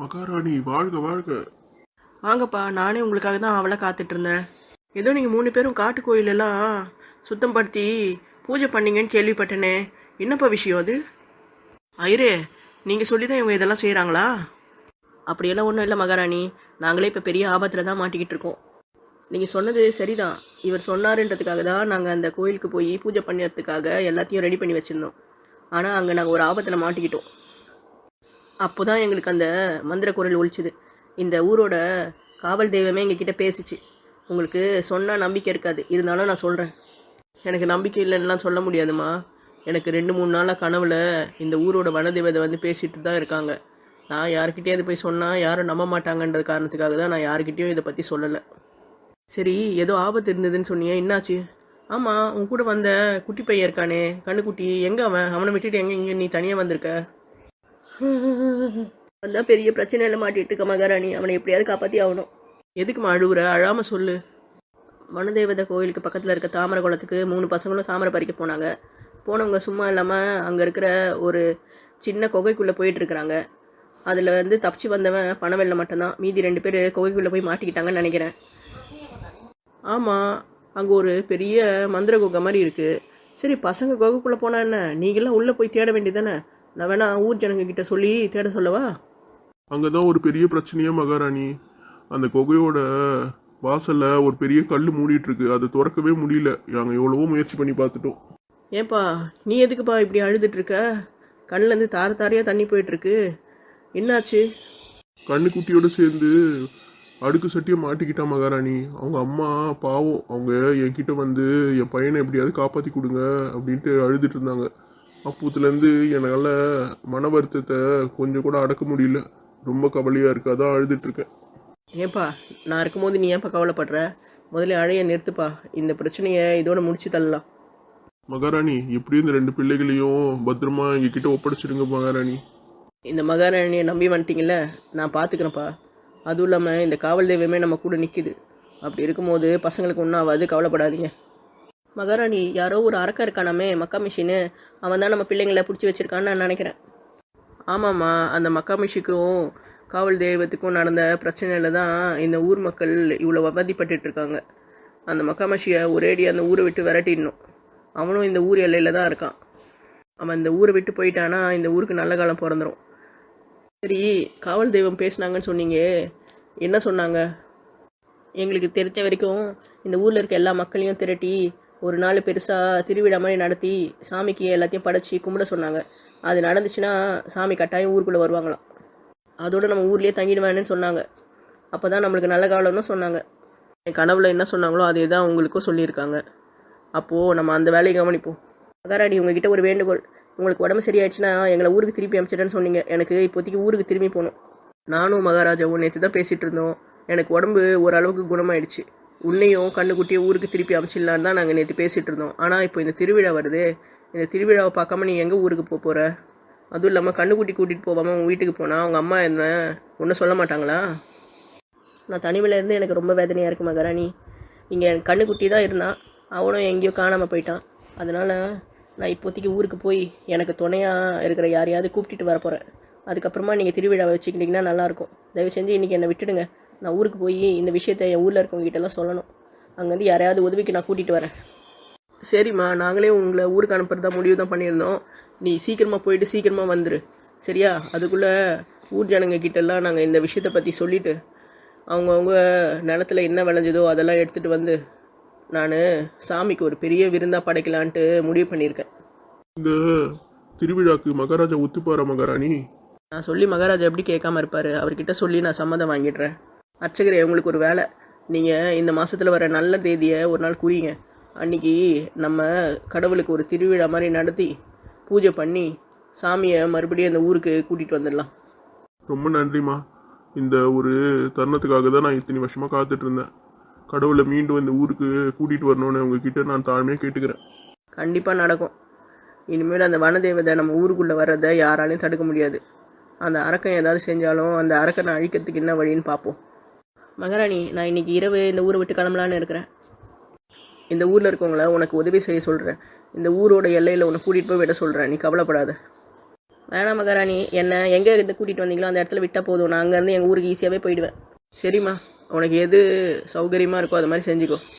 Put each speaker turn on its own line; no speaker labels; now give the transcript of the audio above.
மகாராணி வாழ்க வாழ்க.
வாங்கப்பா, நானே உங்களுக்காக தான் அவளை காத்துட்டு இருந்தேன். ஏதோ நீங்கள் 3 பேரும் காட்டு கோயிலெல்லாம் சுத்தம் படுத்தி பூஜை பண்ணீங்கன்னு கேள்விப்பட்டேனே, என்னப்பா விஷயம் அது? ஐரே, நீங்கள் சொல்லி தான் இவங்க இதெல்லாம் செய்கிறாங்களா? அப்படியெல்லாம் ஒன்றும் இல்லை மகாராணி, நாங்களே இப்போ பெரிய ஆபத்தில் தான் மாட்டிக்கிட்டு இருக்கோம். நீங்கள் சொன்னது சரிதான், இவர் சொன்னாருன்றதுக்காக தான் நாங்கள் அந்த கோயிலுக்கு போய் பூஜை பண்ணுறதுக்காக எல்லாத்தையும் ரெடி பண்ணி வச்சுருந்தோம். ஆனால் அங்கே நாங்கள் ஒரு ஆபத்தில் மாட்டிக்கிட்டோம். அப்போ தான் எங்களுக்கு அந்த மந்திர குரல் ஒலிச்சுது. இந்த ஊரோட காவல் தெய்வமே எங்ககிட்ட பேசிச்சு. உங்களுக்கு சொன்னால் நம்பிக்கை இருக்காது, இருந்தாலும் நான் சொல்கிறேன். எனக்கு நம்பிக்கை இல்லைன்னுலாம் சொல்ல முடியாதுமா. எனக்கு 2-3 நாளாக கனவுல இந்த ஊரோட வனதேவதை வந்து பேசிட்டு தான் இருக்காங்க. நான் யாருக்கிட்டே அது போய் சொன்னால் யாரும் நம்ப மாட்டாங்கன்றது காரணத்துக்காக தான் நான் யாருக்கிட்டேயும் இதை பற்றி சொல்லலை. சரி, ஏதோ ஆபத்து இருந்ததுன்னு சொன்னியே, என்னாச்சு? ஆமாம், உன் கூட வந்த குட்டி பையன் இருக்கானே, கண்ணுக்குட்டி, எங்கே அவனை விட்டுட்டு எங்கே நீ தனியாக வந்திருக்க? அதான் பெரிய பிரச்சனையில் மாட்டிட்டு இருக்க மகாராணி, அவனை எப்படியாவது காப்பாற்றி ஆகணும். எதுக்குமா அழுகுற? அழாமல் சொல்லு. வனதேவதை கோயிலுக்கு பக்கத்தில் இருக்க தாமரை குளத்துக்கு 3 பசங்களும் தாமரை பறிக்க போனாங்க. போனவங்க சும்மா இல்லாமல் அங்கே இருக்கிற ஒரு சின்ன குகைக்குள்ளே போயிட்டுருக்குறாங்க. அதில் வந்து தப்பிச்சு வந்தவன் பணவெல்ல மட்டும்தான். மீதி 2 பேர் குகைக்குள்ளே போய் மாட்டிக்கிட்டாங்கன்னு நினைக்கிறேன். ஆமாம், அங்கே ஒரு பெரிய மந்திர குகை மாதிரி இருக்குது. சரி, பசங்க குகைக்குள்ளே போனா என்ன, நீங்களாம் உள்ளே போய் தேட வேண்டியதானே? நான் வேணா ஊர் ஜனங்க கிட்ட சொல்லி தேட சொல்லவா?
அங்கதான் ஒரு பெரிய பிரச்சனையே மகாராணி. அந்த குகையோட வாசல்ல ஒரு பெரிய கல் மூடிட்டு இருக்கு, அதை திறக்கவே முடியல. நாங்க எவ்வளவோ முயற்சி பண்ணி பார்த்துட்டோம்.
ஏன்பா, நீ எதுக்குப்பா இப்படி அழுதுட்டு இருக்க? கண்ணிலேருந்து தார தாரையாக தண்ணி போயிட்டுருக்கு, என்னாச்சு?
கண்ணுக்குட்டியோட சேர்ந்து அடுக்கு சட்டியை மாட்டிக்கிட்டா மகாராணி. அவங்க அம்மா பாவம், அவங்க என்கிட்ட வந்து என் பையனை எப்படியாவது காப்பாற்றி கொடுங்க அப்படின்ட்டு அழுதுட்டு இருந்தாங்க. அப்போத்துலேருந்து என்னால் மன வருத்தத்தை கொஞ்சம் கூட அடக்க முடியல. ரொம்ப கவலையாக இருக்கு, அதான் அழுதுட்ருக்கேன்.
ஏன்பா, நான் இருக்கும்போது நீ ஏன்ப்பா கவலைப்படுற? முதல்ல அழைய நிறுத்துப்பா, இந்த பிரச்சனையை இதோட முடிச்சு தள்ளலாம்.
மகாராணி, எப்படியும் இந்த 2 பிள்ளைகளையும் பத்திரமா எங்ககிட்ட ஒப்படைச்சிடுங்க மகாராணி.
இந்த மகாராணியை நம்பி வந்துட்டீங்கள, நான் பார்த்துக்கிறேன்ப்பா. அதுவும் இல்லாமல் இந்த காவல் தெய்வமே நம்ம கூட நிற்கிது. அப்படி இருக்கும்போது பசங்களுக்கு ஒன்றும் ஆகாது, கவலைப்படாதீங்க. மகாராணி, யாரோ ஒரு அரக்கன் இருக்கானாமே, மக்கா மிஷின்னு, அவன் தான் நம்ம பிள்ளைங்களை பிடிச்சி வச்சிருக்கான்னு நான் நினைக்கிறேன். ஆமாம்மா, அந்த மக்கா மிஷிக்கும் காவல் தெய்வத்துக்கும் நடந்த பிரச்சனையில் தான் இந்த ஊர் மக்கள் இவ்வளோ அவதிப்பட்டு இருக்காங்க. அந்த மக்காமஷியை ஒரேடி அந்த ஊரை விட்டு விரட்டிடணும். அவனும் இந்த ஊர் எல்லையில் தான் இருக்கான். அவன் இந்த ஊரை விட்டு போயிட்டானா இந்த ஊருக்கு நல்ல காலம் பிறந்துடும். சரி, காவல் தெய்வம் பேசுனாங்கன்னு சொன்னீங்க, என்ன சொன்னாங்க? எங்களுக்கு தெரிஞ்ச வரைக்கும் இந்த ஊரில் இருக்க எல்லா மக்களையும் திரட்டி ஒரு நாள் பெருசாக திருவிழா மாதிரி நடத்தி சாமிக்கு எல்லாத்தையும் படைச்சி கும்பிட சொன்னாங்க. அது நடந்துச்சுன்னா சாமி கட்டாயம் ஊருக்குள்ளே வருவாங்களாம். அதோடு நம்ம ஊர்லேயே தங்கிடுவேன்னு சொன்னாங்க. அப்போ தான் நம்மளுக்கு நல்ல காலம்னு சொன்னாங்க. என் கனவுல என்ன சொன்னாங்களோ அதே தான் உங்களுக்கும் சொல்லியிருக்காங்க. அப்போது நம்ம அந்த வேலையை கவனிப்போம். மகாராணி, உங்ககிட்ட ஒரு வேண்டுகோள். உங்களுக்கு உடம்பு சரியாயிடுச்சுன்னா எங்களை ஊருக்கு திருப்பி அனுப்பிச்சிட்டேன்னு சொன்னீங்க. எனக்கு இப்போதைக்கு ஊருக்கு திரும்பி போகணும். நானும் மகாராஜாவும் நேற்று தான் பேசிகிட்டு இருந்தோம். எனக்கு உடம்பு ஓரளவுக்கு குணமாயிடுச்சு. உன்னையும் கண்ணுக்குட்டியும் ஊருக்கு திருப்பி அனுப்பிச்சிடலான்னு தான் நாங்கள் நேற்று பேசிகிட்டு இருந்தோம். ஆனால் இப்போ இந்த திருவிழா வருது, இந்த திருவிழாவை பார்க்காம நீ எங்கே ஊருக்கு போகிற? அதுவும் இல்லாமல் கண்ணுக்குட்டி கூட்டிகிட்டு போகாமல் உங்கள் வீட்டுக்கு போனால் அவங்க அம்மா என்ன ஒன்றும் சொல்ல மாட்டாங்களா? நான் தனிமையில் இருந்து எனக்கு ரொம்ப வேதனையாக இருக்குது மகாராணி. இங்கே என் கண்ணுக்குட்டி தான் இருந்தான், அவனும் எங்கேயோ காணாமல் போயிட்டான். அதனால் நான் இப்போதைக்கு ஊருக்கு போய் எனக்கு துணையாக இருக்கிற யாரையாவது கூப்பிட்டுட்டு வர போகிறேன். அதுக்கப்புறமா நீங்கள் திருவிழாவை வச்சுக்கிட்டிங்கன்னா நல்லாயிருக்கும். தயவு செஞ்சு இன்றைக்கி என்னை விட்டுடுங்க. நான் ஊருக்கு போய் இந்த விஷயத்தை என் ஊரில் இருக்கவங்ககிட்டலாம் சொல்லணும். அங்கேருந்து யாரையாவது உதவிக்கு நான் கூட்டிகிட்டு வரேன். சரிம்மா, நாங்களே உங்களை ஊருக்கு அனுப்புறதா முடிவு தான் பண்ணியிருந்தோம். நீ சீக்கிரமாக போயிட்டு சீக்கிரமாக வந்துடு, சரியா? அதுக்குள்ளே ஊர் ஜனங்க கிட்டெல்லாம் நாங்கள் இந்த விஷயத்தை பற்றி சொல்லிவிட்டு அவங்கவுங்க நிலத்தில் என்ன விளைஞ்சதோ அதெல்லாம் எடுத்துகிட்டு வந்து நான் சாமிக்கு ஒரு பெரிய விருந்தாக படைக்கலான்ட்டு முடிவு பண்ணியிருக்கேன்.
இந்த திருவிழாக்கு மகாராஜா ஒத்துப்பாரா மகாராணி?
நான் சொல்லி மகாராஜா எப்படி கேட்காம இருப்பார்? அவர்கிட்ட சொல்லி நான் சம்மதம் வாங்கிடுறேன். அர்ச்சகரே, உங்களுக்கு ஒரு வேலை. நீங்கள் இந்த மாதத்தில் வர நல்ல தேதியை ஒரு நாள் குறிங்க. அன்றைக்கி நம்ம கடவுளுக்கு ஒரு திருவிழா மாதிரி நடத்தி பூஜை பண்ணி சாமியை மறுபடியும் அந்த ஊருக்கு கூட்டிகிட்டு வந்துடலாம்.
ரொம்ப நன்றிம்மா. இந்த ஒரு தருணத்துக்காக தான் நான் இத்தனை வருஷமாக காத்துட்டு இருந்தேன். கடவுளை மீண்டும் இந்த ஊருக்கு கூட்டிகிட்டு வரணும்னு உங்ககிட்ட நான் தாழ்மையாக கேட்டுக்கிறேன்.
கண்டிப்பாக நடக்கும். இனிமேல் அந்த வனதேவதை நம்ம ஊருக்குள்ளே வர்றதை யாராலையும் தடுக்க முடியாது. அந்த அரக்கன் ஏதாவது செஞ்சாலும் அந்த அரக்கனை அழிக்கிறதுக்கு என்ன வழின்னு பார்ப்போம். மகாராணி, நான் இன்றைக்கி இரவு இந்த ஊரை விட்டு கிளம்பலான்னு இருக்கிறேன். இந்த ஊரில் இருக்கவங்கள உனக்கு உதவி செய்ய சொல்கிறேன். இந்த ஊரோட எல்லையில் உன்னை கூட்டிகிட்டு போய் விட சொல்கிறேன். நீ கவலைப்படாத. வேணாம் மகாராணி, என்னை எங்கே இருந்து கூட்டிகிட்டு வந்தீங்களோ அந்த இடத்துல விட்டால் போதும். நான் அங்கேருந்து எங்கள் ஊருக்கு ஈஸியாகவே போயிடுவேன். சரிம்மா, உனக்கு எது சௌகரியமாக இருக்கோ அது மாதிரி செஞ்சுக்கோ.